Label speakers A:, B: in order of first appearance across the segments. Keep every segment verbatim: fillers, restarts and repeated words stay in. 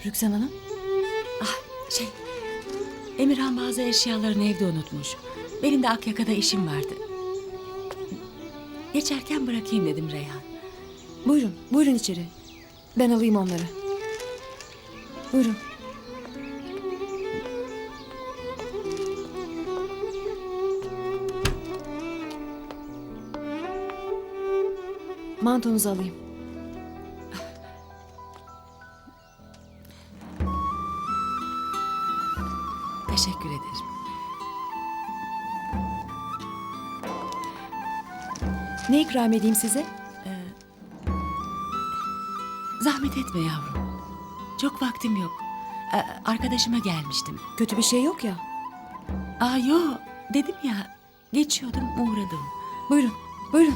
A: Rüksan Hanım?
B: Ah şey, Emirhan bazı eşyalarını evde unutmuş. Benim de Akyaka'da işim vardı. Geçerken bırakayım dedim Reyhan.
A: Buyurun, buyurun içeri. Ben alayım onları. Buyurun. Mantonuzu alayım.
B: Teşekkür ederim.
A: Ne ikram edeyim size?
B: Zahmet etme yavrum. Çok vaktim yok. Ee, arkadaşıma gelmiştim.
A: Kötü bir şey yok ya.
B: Aa yo, dedim ya. Geçiyordum, uğradım.
A: Buyurun, buyurun.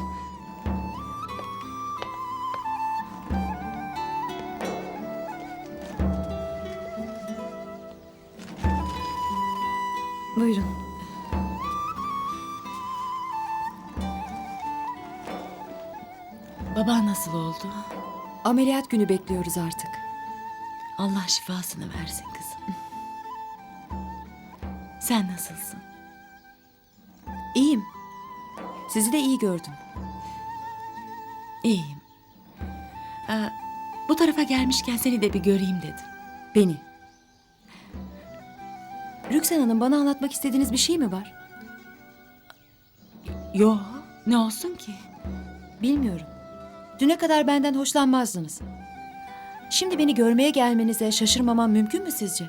A: Buyurun.
B: Baban nasıl oldu?
A: Ameliyat günü bekliyoruz artık.
B: Allah şifasını versin kızım. Sen nasılsın?
A: İyiyim. Sizi de iyi gördüm.
B: İyiyim. Ee, bu tarafa gelmişken seni de bir göreyim dedim.
A: Beni. Rüksan Hanım, bana anlatmak istediğiniz bir şey mi var?
B: Yo, ne olsun ki?
A: Bilmiyorum. Düne kadar benden hoşlanmazdınız. Şimdi beni görmeye gelmenize şaşırmamam mümkün mü sizce?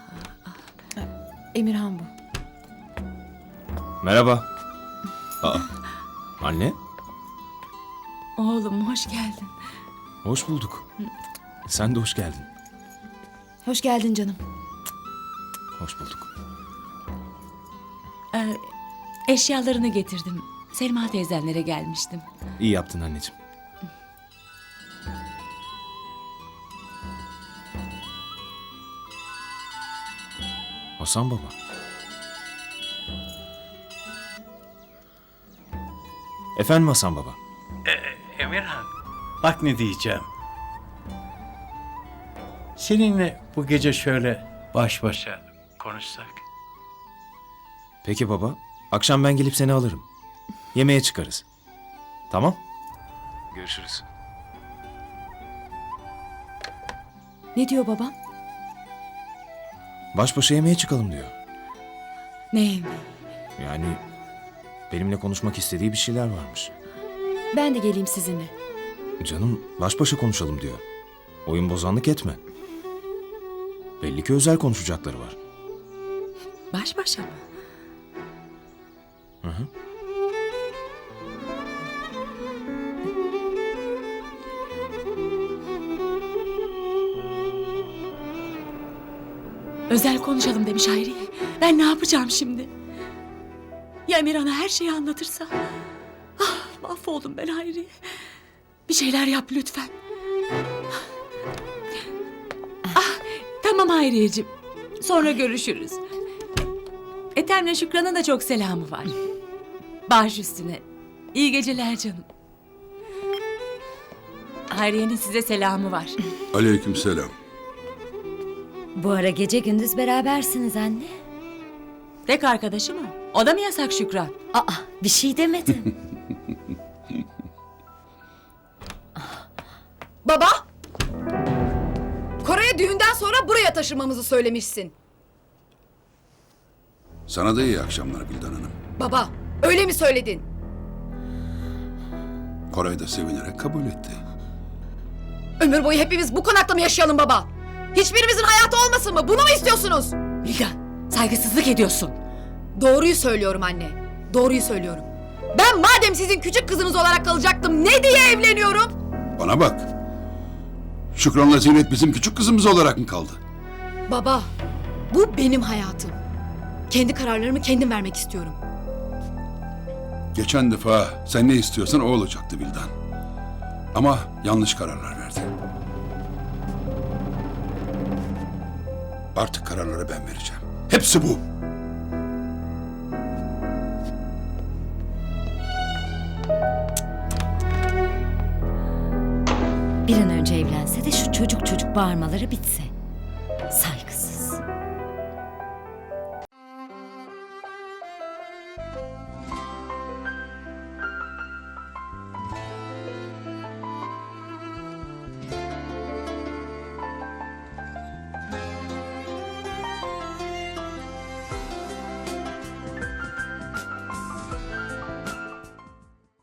A: Emirhan bu.
C: Merhaba. Aa, anne,
B: Oğlum hoş geldin.
C: hoş bulduk. Sen de hoş geldin.
A: Hoş geldin canım.
C: Hoş bulduk.
B: Ee, eşyalarını getirdim. Selma teyzenlere gelmiştim.
C: İyi yaptın anneciğim. Hasan baba. Efendim Hasan baba.
D: Emirhan, bak ne diyeceğim. Seninle bu gece şöyle baş başa konuşsak.
C: Peki baba. Akşam ben gelip seni alırım. Yemeğe çıkarız. Tamam? Görüşürüz.
A: Ne diyor babam?
C: Baş başa yemeğe çıkalım diyor.
B: Ne yemeği?
C: Yani benimle konuşmak istediği bir şeyler varmış.
A: Ben de geleyim sizinle.
C: Canım baş başa konuşalım diyor. Oyun bozanlık etme. Belli ki özel konuşacakları var.
B: Baş başa mı?
C: Hı hı.
B: Özel konuşalım demiş Hayriye. Ben ne yapacağım şimdi? Ya Emirhan'a her şeyi anlatırsa? Ah, mahvoldum ben Hayriye. Bir şeyler yap lütfen. Ah, tamam Hayriyeciğim. Sonra görüşürüz. Ethem'le Şükran'ın da çok selamı var. Baş üstüne. İyi geceler canım. Hayriye'nin size selamı var.
E: Aleykümselam.
F: Bu ara gece gündüz berabersiniz anne.
B: Tek arkadaşı mı? O da mı yasak Şükran?
F: Aa, bir şey demedim.
G: Baba! Kore'ye düğünden sonra buraya taşımamızı söylemişsin.
E: Sana da iyi akşamlar Bildan Hanım.
G: Baba, öyle mi söyledin?
E: Koray da sevinerek kabul etti.
G: Ömür boyu hepimiz bu konakta mı yaşayalım baba? Hiçbirimizin hayatı olmasın mı? Bunu mu istiyorsunuz?
B: Bilgan, saygısızlık ediyorsun.
G: Doğruyu söylüyorum anne. Doğruyu söylüyorum. Ben madem sizin küçük kızınız olarak kalacaktım, ne diye evleniyorum?
E: Bana bak. Şükran'la Zinet bizim küçük kızımız olarak mı kaldı?
G: Baba, bu benim hayatım. Kendi kararlarımı kendim vermek istiyorum.
E: Geçen defa sen ne istiyorsan o olacaktı Bildan. Ama yanlış kararlar verdi. Artık kararları ben vereceğim. Hepsi bu.
F: Bir an önce evlense de şu çocuk çocuk bağırmaları bitse. Saygısız.